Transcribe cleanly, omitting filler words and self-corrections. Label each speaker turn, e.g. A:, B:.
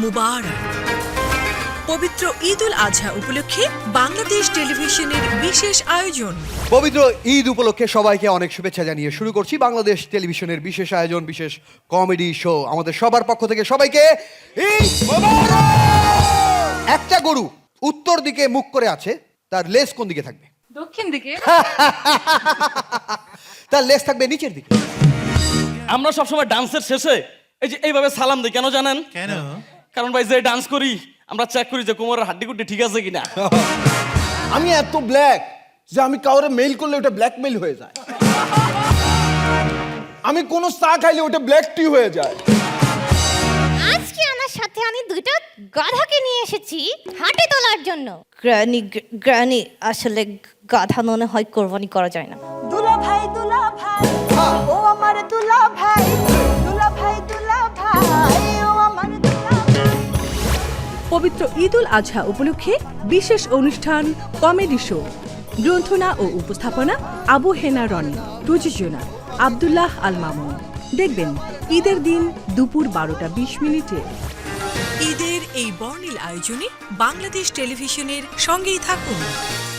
A: মুবারক। পবিত্র ঈদ উল আজহা উপলক্ষে বাংলাদেশ টেলিভিশনের বিশেষ আয়োজন।
B: পবিত্র ঈদ উপলক্ষে সবাইকে অনেক শুভেচ্ছা জানিয়ে শুরু করছি বাংলাদেশ টেলিভিশনের বিশেষ আয়োজন, বিশেষ কমেডি শো। আমাদের সবার পক্ষ থেকে সবাইকে ঈদ মোবারক। একটা গরু উত্তর দিকে মুখ করে আছে, তার লেজ কোন দিকে থাকবে?
C: দক্ষিণ দিকে।
B: তার লেজ থাকবে নিচের দিকে।
D: আমরা সবসময় ডান্সের শেষে এই যে এইভাবে সালাম দিই, কেন জানেন?
E: কেন?
D: কারণ ভাই যে ডান্স করি আমরা চেক করি যে কোমরের হাড্ডি ঠিক আছে কিনা।
E: আমি এত ব্ল্যাক যে আমি কাউরে মেইল করলে ওটা ব্ল্যাকমেইল হয়ে যায়। আমি কোনো চা খাইলে ওটা ব্ল্যাক টি হয়ে যায়।
F: আজকে আমার সাথে আমি দুটো গাধাকে নিয়ে এসেছি হাটে তোলার জন্য। গ্রানি আসলে গাধা মনে হয় কোরবানি করা যায় না।
G: দুলা ভাই ও আমার দুলা ভাই ও আমার দুলা ভাই।
A: পবিত্র ঈদ উল আজহা উপলক্ষে বিশেষ অনুষ্ঠান কমেডি শো। গ্রন্থনা ও উপস্থাপনা আবু হেনা রনি। প্রযোজনা আব্দুল্লাহ আল মামুন। দেখবেন ঈদের দিন দুপুর 12টা 20 মিনিটে। ঈদের এই বর্ণিল আয়োজনে বাংলাদেশ টেলিভিশনের সঙ্গেই থাকুন।